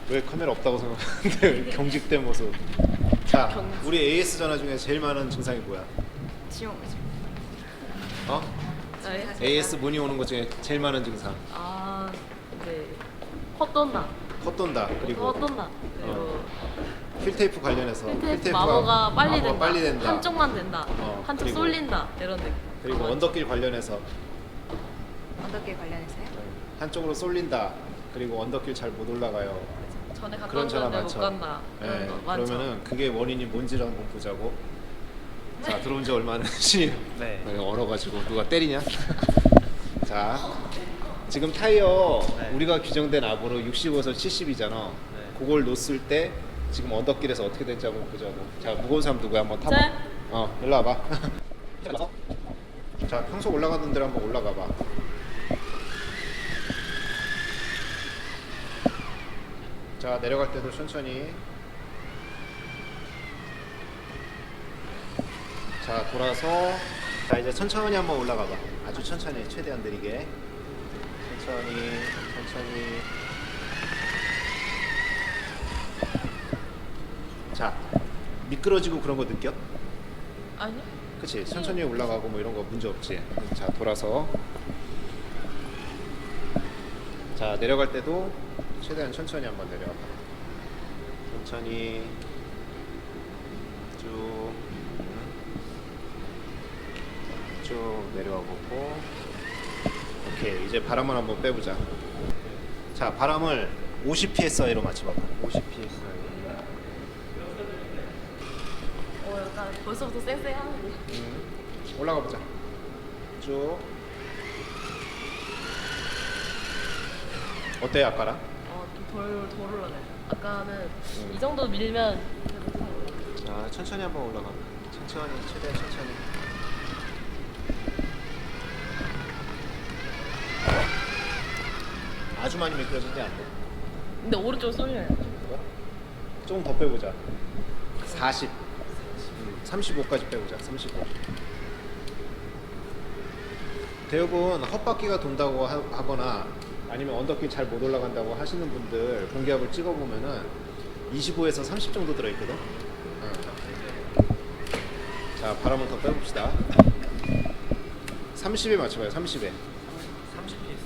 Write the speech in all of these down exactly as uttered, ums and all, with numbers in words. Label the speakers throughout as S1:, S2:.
S1: 왜 카메라 없다고 생각하는데 경직된 모습. 자,
S2: 경직.
S1: 우리 에이에스 전화 중에 제일 많은 증상이 뭐야?
S2: 지용이죠.
S1: 어?
S2: 저희
S1: 에이에스 문의 오는 것 중에 제일 많은 증상.
S2: 아 이제 헛돈다.
S1: 헛돈다. 그리고
S2: 헛돈다. 그리고
S1: 필테이프 관련해서
S2: 필테이프 마모가 빨리
S1: 마모가
S2: 된다.
S1: 빨리 된다.
S2: 한쪽만 된다.
S1: 어,
S2: 한쪽
S1: 그리고-
S2: 쏠린다. 이런 느낌.
S1: 그리고
S2: 어,
S1: 언덕길 관련해서
S3: 언덕길 관련해서요?
S1: 한쪽으로 쏠린다. 그리고 언덕길 잘 못 올라가요.
S2: 전에 갔다
S1: 그런 전화
S2: 왔는데 못
S1: 많죠.
S2: 간다. 이런
S1: 네,
S2: 거 많죠.
S1: 그러면은 그게 원인이 뭔지를 한번 보자고. 자, 들어온 지 얼마 안 됐지?
S4: 네.
S1: 얼어가지고 누가 때리냐? 자, 지금 타이어
S4: 네.
S1: 우리가 규정된 압으로 육십에서 칠십이잖아.
S4: 네.
S1: 그걸 놓았을 때 지금 언덕길에서 어떻게 될지 한번 보자고. 자, 무거운 사람 누구야? 한번 타봐.
S2: 네.
S1: 어, 일로 와봐. 자, 평소 올라가던 데로 한번 올라가 봐. 자, 내려갈 때도 천천히. 자, 돌아서. 자, 이제 천천히 한번 올라가 봐. 아주 천천히, 최대한 느리게. 천천히, 천천히. 자, 미끄러지고 그런 거 느껴?
S2: 아니요.
S1: 그치? 천천히 올라가고 뭐 이런 거 문제 없지. 자, 돌아서. 자, 내려갈 때도 최대한 천천히 한번 내려와. 천천히 쭉, 쭉 내려와 보고. 오케이, 이제 바람을 한번 빼보자. 자, 바람을 오십 피에스아이로 맞춰봐봐. 오십 피에스아이.
S2: 어 약간 벌써부터 쌩쌩하는데.
S1: 음, 올라가 보자. 쭉. 어때 아까랑?
S2: 어좀덜덜 올라가요. 아까는
S1: 음.
S2: 이 정도 밀면 그래도 잘 올라가요.
S1: 자, 천천히 한번 올라가. 천천히, 최대한 천천히. 아주 많이 미끄러지지 않고.
S2: 근데 오른쪽 쏠려요.
S1: 조금 더 빼보자. 사십. 음, 삼십오까지 빼보자. 삼십오. 대부분 헛바퀴가 돈다고 하, 하거나 아니면 언덕길 잘 못 올라간다고 하시는 분들 공기압을 찍어보면은 이십오에서 삼십 정도 들어있거든. 응. 자, 바람을 더 빼봅시다. 삼십에 맞춰봐요. 삼십에.
S4: 삼십 피에스.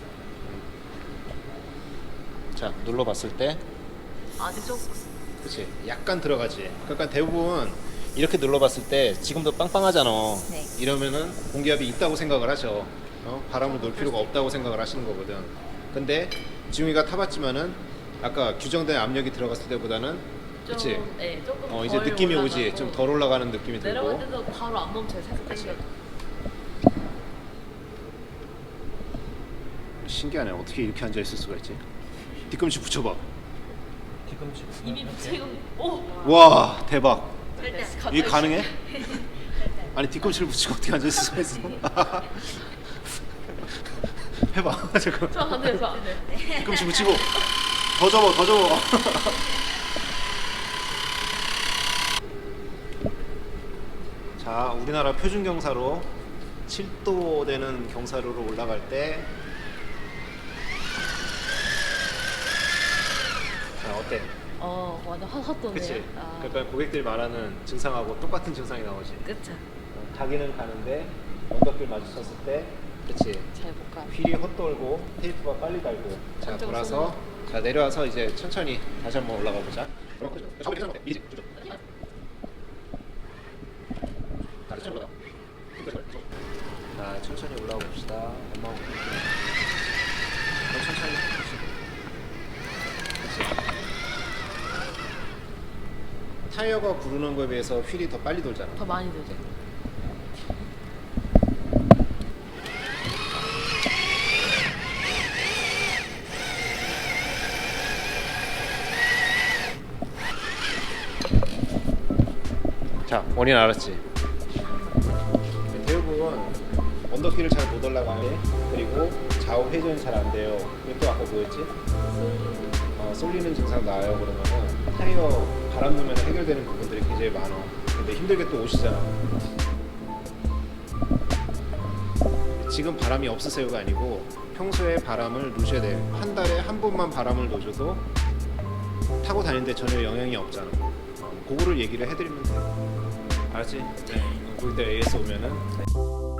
S1: 자, 눌러봤을 때
S2: 아직 조금.
S1: 그치, 약간 들어가지. 그러니까 대부분 이렇게 눌러봤을 때 지금도 빵빵하잖아.
S3: 네.
S1: 이러면은 공기압이 있다고 생각을 하셔. 어? 바람을 놓을 필요가 없다고 생각을 하시는 거거든. 근데 지웅이가 타봤지만은 아까 규정된 압력이 들어갔을 때보다는
S2: 좀,
S1: 그치?
S2: 네, 조금
S1: 어, 이제
S2: 덜
S1: 느낌이 오지.
S2: 올라가고.
S1: 좀 덜 올라가는 느낌이
S2: 내려갈
S1: 들고.
S2: 때도 바로 안 멈춰요. 살짝 당겨.
S1: 신기하네. 어떻게 이렇게 앉아 있을 수가 있지? 뒤꿈치 붙여봐.
S4: 뒤꿈치.
S2: 이미 붙이고. 오.
S1: 와, 대박.
S2: 네,
S1: 이게 가능해? 아니, 뒤꿈치를 붙이고 어떻게 앉아 있을 수가 있어? 해봐. 잠깐.
S2: 저안 돼요. 저안 돼요.
S1: 뒤꿈치 붙이고 더 접어, 더 접어. 자, 우리나라 표준 경사로 칠 도 되는 경사로로 올라갈 때, 자, 어때?
S2: 어 완전 헛헛도네요.
S1: 그치?
S2: 아,
S1: 그러니까 고객들이 말하는 증상하고 똑같은 증상이 나오지.
S2: 그쵸.
S1: 어, 가기는 가는데 언덕길 마주쳤을 때, 그치?
S2: 잘 못 가.
S1: 휠이 헛돌고 테이프가 빨리 달고. 자,
S2: 엄청
S1: 돌아서 자, 내려와서 이제 천천히 다시 한번 올라가 보자. 자, 천천히 올라가 봅시다. 엄마하고 더 천천히. 그치? 타이어가 구르는 거에 비해서 휠이 더 빨리 돌잖아.
S2: 더 많이 되죠.
S1: 자, 원인 알았지? 대부분 언덕길을 잘 못 올라가네. 그리고 좌우 회전이 잘 안 돼요. 이것도 아까 뭐였지? 어, 쏠리는 증상 나요. 그러면은 타이어 바람 넣으면 해결되는 부분들이 굉장히 많아. 근데 힘들게 또 오시잖아. 지금 바람이 없으세요가 아니고 평소에 바람을 놓으셔야 돼요. 한 달에 한 번만 바람을 놓으셔도 타고 다니는데 전혀 영향이 없잖아. 어, 그거를 얘기를 해드리면 돼. 알았지? 네. 거기 때 에이에스 오면은.